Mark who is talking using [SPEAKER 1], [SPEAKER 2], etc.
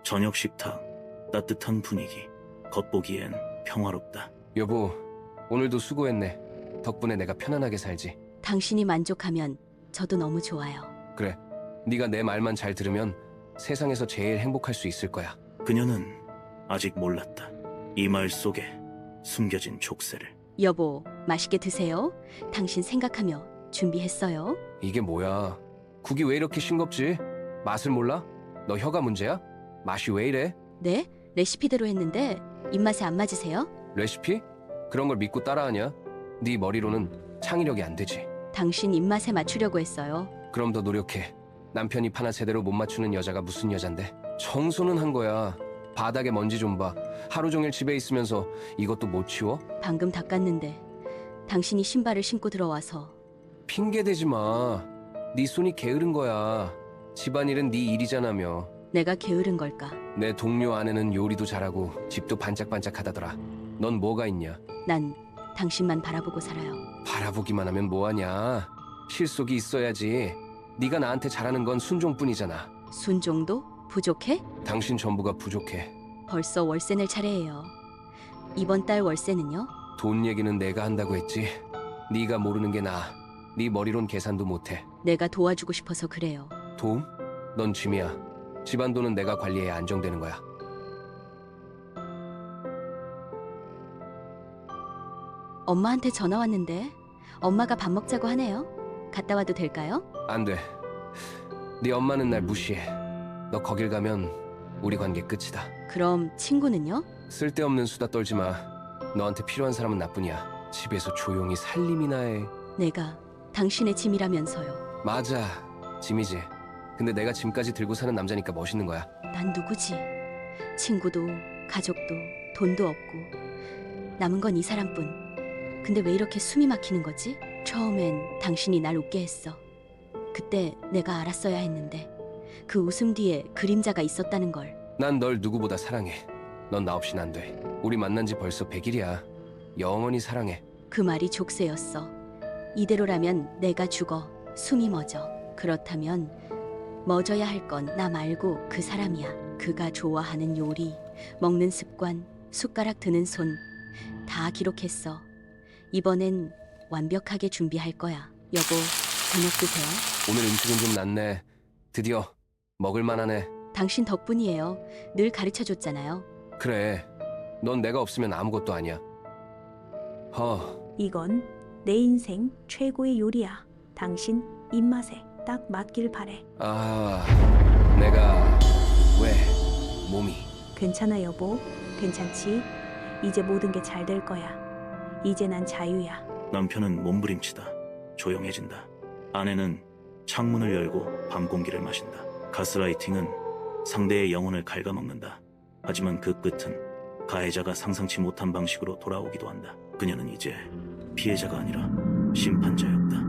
[SPEAKER 1] 저녁 식탁, 따뜻한 분위기. 겉보기엔 평화롭다.
[SPEAKER 2] 여보, 오늘도 수고했네. 덕분에 내가 편안하게 살지.
[SPEAKER 3] 당신이 만족하면 저도 너무 좋아요.
[SPEAKER 2] 그래, 네가 내 말만 잘 들으면 세상에서 제일 행복할 수 있을 거야.
[SPEAKER 1] 그녀는 아직 몰랐다. 이 말 속에 숨겨진 족쇄를.
[SPEAKER 3] 여보, 맛있게 드세요. 당신 생각하며 준비했어요.
[SPEAKER 2] 이게 뭐야? 국이 왜 이렇게 싱겁지? 맛을 몰라? 너 혀가 문제야? 맛이 왜 이래?
[SPEAKER 3] 네? 레시피대로 했는데 입맛에 안 맞으세요?
[SPEAKER 2] 레시피? 그런 걸 믿고 따라하냐? 네 머리로는 창의력이 안 되지.
[SPEAKER 3] 당신 입맛에 맞추려고 했어요.
[SPEAKER 2] 그럼 더 노력해. 남편이 하나 제대로 못 맞추는 여자가 무슨 여잔데? 청소는 한 거야. 바닥에 먼지 좀 봐. 하루 종일 집에 있으면서 이것도 못 치워?
[SPEAKER 3] 방금 닦았는데 당신이 신발을 신고 들어와서.
[SPEAKER 2] 핑계 대지 마. 네 손이 게으른 거야. 집안일은 네 일이잖아며.
[SPEAKER 3] 내가 게으른 걸까?
[SPEAKER 2] 내 동료 아내는 요리도 잘하고 집도 반짝반짝하다더라. 넌 뭐가 있냐?
[SPEAKER 3] 난 당신만 바라보고 살아요.
[SPEAKER 2] 바라보기만 하면 뭐하냐? 실속이 있어야지. 네가 나한테 잘하는 건 순종뿐이잖아.
[SPEAKER 3] 순종도? 부족해?
[SPEAKER 2] 당신 전부가 부족해.
[SPEAKER 3] 벌써 월세 낼 차례예요. 이번 달 월세는요?
[SPEAKER 2] 돈 얘기는 내가 한다고 했지. 네가 모르는 게 나아. 네 머리론 계산도 못해.
[SPEAKER 3] 내가 도와주고 싶어서 그래요.
[SPEAKER 2] 도움? 넌 짐이야. 집안 돈은 내가 관리해야 안정되는 거야.
[SPEAKER 3] 엄마한테 전화 왔는데 엄마가 밥 먹자고 하네요. 갔다 와도 될까요?
[SPEAKER 2] 안 돼. 네 엄마는 날 무시해. 너 거길 가면 우리 관계 끝이다.
[SPEAKER 3] 그럼 친구는요?
[SPEAKER 2] 쓸데없는 수다 떨지 마. 너한테 필요한 사람은 나뿐이야. 집에서 조용히 살림이나 해.
[SPEAKER 3] 내가 당신의 짐이라면서요.
[SPEAKER 2] 맞아. 짐이지. 근데 내가 짐까지 들고 사는 남자니까 멋있는 거야.
[SPEAKER 3] 난 누구지? 친구도 가족도 돈도 없고 남은 건 이 사람뿐. 근데 왜 이렇게 숨이 막히는 거지? 처음엔 당신이 날 웃게 했어. 그때 내가 알았어야 했는데 그 웃음 뒤에 그림자가 있었다는 걸.
[SPEAKER 2] 난 널 누구보다 사랑해. 넌 나 없인 안 돼. 우리 만난 지 벌써 100일이야. 영원히 사랑해.
[SPEAKER 3] 그 말이 족쇄였어. 이대로라면 내가 죽어. 숨이 멎어. 그렇다면 멎어야 할 건 나 말고 그 사람이야. 그가 좋아하는 요리, 먹는 습관, 숟가락 드는 손 다 기록했어. 이번엔 완벽하게 준비할 거야. 여보, 저녁 드세요.
[SPEAKER 2] 오늘 음식은 좀 낫네. 드디어 먹을 만하네.
[SPEAKER 3] 당신 덕분이에요. 늘 가르쳐줬잖아요.
[SPEAKER 2] 그래. 넌 내가 없으면 아무것도 아니야.
[SPEAKER 4] 이건 내 인생 최고의 요리야. 당신 입맛에 딱 맞길 바래.
[SPEAKER 2] 내가 왜 몸이
[SPEAKER 4] 괜찮아 여보. 괜찮지? 이제 모든 게 잘 될 거야. 이제 난 자유야.
[SPEAKER 1] 남편은 몸부림치다. 조용해진다. 아내는 창문을 열고 밤 공기를 마신다. 가스라이팅은 상대의 영혼을 갉아먹는다. 하지만 그 끝은 가해자가 상상치 못한 방식으로 돌아오기도 한다. 그녀는 이제 피해자가 아니라 심판자였다.